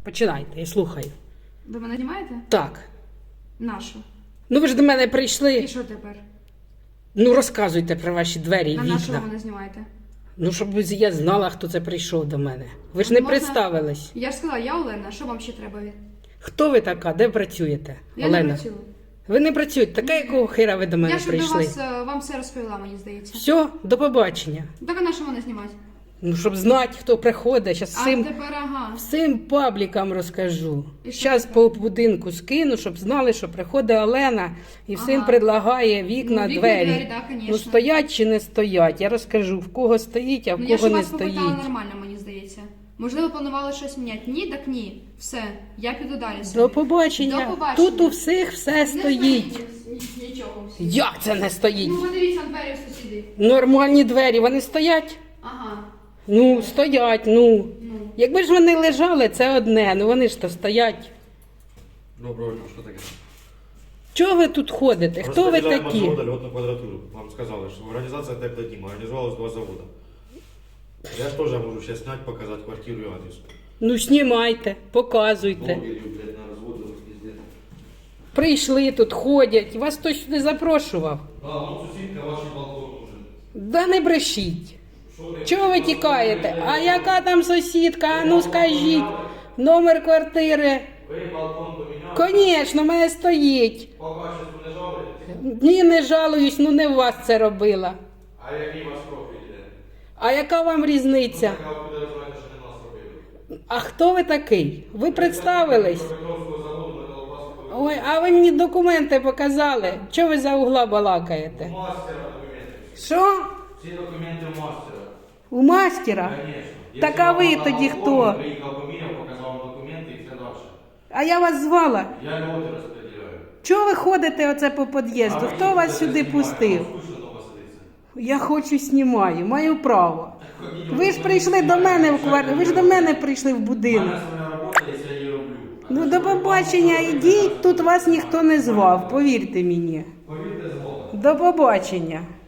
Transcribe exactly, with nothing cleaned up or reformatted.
Починайте, я слухаю. Ви мене знімаєте? Так. Нашу. Ну ви ж до мене І прийшли. що тепер? Ну розказуйте про ваші двері і На нашу ви вікна. мене знімаєте? Ну, щоб я знала, хто це прийшов до мене. Ви ж не Можна- представились. Я ж сказала, я Олена, що вам ще треба? Хто ви така? Де працюєте? Я Олена? не працюю. Ви не працюєте. Така, якого хера ви до мене Я ж до прийшли? вас, е, вам все розповіла, мені здається. Все, до побачення. Так а на що мене знімати? Ну, щоб знати, хто приходить. Зараз А всім, тепер ага. всім паблікам розкажу. І що Зараз тепер? по будинку скину, щоб знали, що приходить Олена і всім Ага. предлагає вікна, Ну, вікна, двері. двері, да, конечно. Ну, стоять чи не стоять. Я розкажу, в кого стоїть, а в Ну я ж кого у не вас попитала стоїть. нормально, мені здається. Можливо, планували щось міняти. Ні, так ні. Все, я піду далі собі. До побачення. До побачення. Тут у всіх все стоїть. Не стоїть нічого. всі. Як це не стоїть? Ну, подивіться на двері у сусідів. Нормальні двері, вони стоять? Ага. Ну, стоять, ну. Ну. Якби ж вони лежали, це одне, ну вони ж то стоять. Доброго дня, що таке? Чого ви тут ходите? Хто ви Розподіляємо такі? заводу льотну квадратуру. Вам сказали, що організація Теплодім організувалась два заводи. Я ж теж можу ще зняти, показати квартиру і адрес. Ну, знімайте, показуйте. Блогерів, блядь, на розводу піздець. Прийшли тут, ходять. Вас хтось не запрошував. А, вон сусідка, ваш балкон нужен. Да не брешіть. Що ви? Чого ви тікаєте? А яка там сусідка? А ну скажіть. Номер квартири. Ви балкон поміняли? Звісно, в мене стоїть. По качеству не жалуєтесь? Ні, не жалуюсь, ну не в вас це робила. А який ваш профіль іде? А яка вам різниця? Ну, така ви підозрюєте, що не нас робили. А хто ви такий? Ви представились? Петровського заводу на Колбаску. Ой, а ви мені документи показали. Чого ви за угла балакаєте? Мастера документи. Що? Всі документи у мастера. У мастера? Конечно. Так а ви тоді хто? Приїхав, поміряв, показав вам документи і все далі. А я вас звала. Я льоти розподіляю. Чого ви ходите оце по під'їзду? Хто вас сюди пустив? Я хочу знімаю, маю право. Ви ж прийшли до мене в квартиру, ви ж до мене прийшли в У будинок. мене своя робота, якщо я її роблю. Ну до побачення, ідіть, тут вас ніхто не звав, повірте мені. Повірте, згодом. До побачення.